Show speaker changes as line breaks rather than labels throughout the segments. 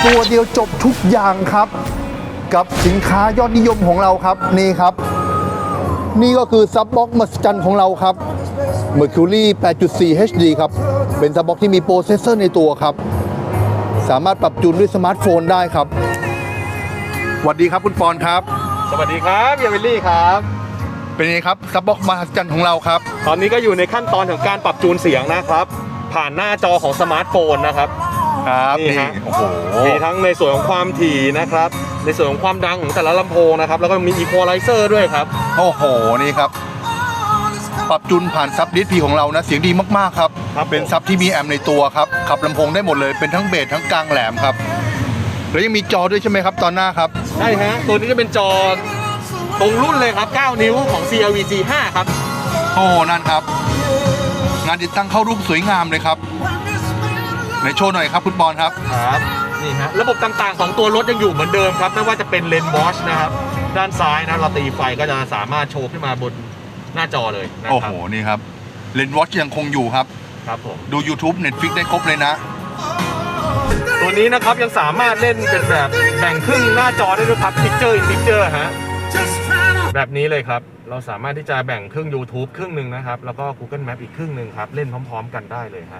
ตัวเดียวจบทุกอย่างครับกับสินค้ายอดนิยมของเราครับนี่ครับนี่ก็คือซับบ็อกมหัศจรรย์ของเราครับ Mercury 8.4 HD ครับเป็นซับบ็อกที่มีโปรเซสเซอร์ในตัวครับสามารถปรับจูนด้วยสมาร์ทโฟนได้ครับสวัสดีครับคุณปอนครับ
สวัสดีครับเยวิลลี่ครับ
เป็นไงครับซับบ็อกมหัศจรรย์ของเราครับ
ตอนนี้ก็อยู่ในขั้นตอนของการปรับจูนเสียงนะครับผ่านหน้าจอของสมาร์ทโฟนนะครับ
ครับนี่โอ้โห
มีทั้งในส่วนของความถี่นะครับในส่วนของความดังของแต่ละลำโพงนะครับแล้วก็มีอีควอไลเซอร์ด้วยครับ
โอ้โหนี่ครับปรับจูนผ่านซับดิสพีของเรานะเสียงดีมากๆครับเป็นซับที่มีแอมป์ในตัวครับขับลำโพงได้หมดเลยเป็นทั้งเบสทั้งกลางแหลมครับแล้วยังมีจอด้วยใช่ไหมครับตอนหน้าครับ
ใช่ฮะตัวนี้จะเป็นจอตรงรุ่นเลยครับ9 นิ้วของ CLV G5 ครับ
โอ้นั่นครับงานติดตั้งเข้ารูปสวยงามเลยครับในโชว์หน่อยครับคุณบอลครับ
ครับนี่ฮะระบบต่างๆของตัวรถยังอยู่เหมือนเดิมครับไม่ว่าจะเป็นเลนวอชนะครับด้านซ้ายนะเราตีไฟก็จะสามารถโชว์ขึ้นมาบนหน้าจอเลยนะครับ
โอ้โหนี่ครับเลนวอชยังคงอยู่ครับ
ครับผม
ดู YouTube Netflix ได้ครบเลยนะ
ตัวนี้นะครับยังสามารถเล่นเป็นแบบแบ่งครึ่งหน้าจอได้ด้วยครับ Picture in Picture ฮะแบบนี้เลยครับเราสามารถที่จะแบ่งครึ่ง YouTube ครึ่งหนึ่งนะครับแล้วก็ Google Map อีกครึ่งหนึ่งครับเล่นพร้อมๆกันได้เลยฮะ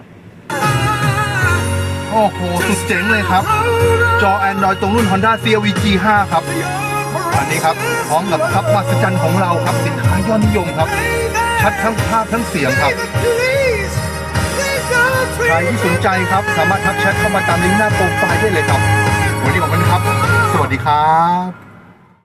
โอ้โหสุดเจ๋งเลยครับจอ Android ตรงรุ่น Honda CR-V G5 ครับอันนี้ครับพร้อมกับซับมหัศจรรย์ของเราครับสินค้ายอดนิยมครับชัดทั้งภาพทั้งเสียงครับใครที่สนใจครับสามารถทักแชทเข้ามาตามลิงก์หน้าโปรไฟล์ได้เลยครับวันนี้ขอบคุณครับสวัสดีครับ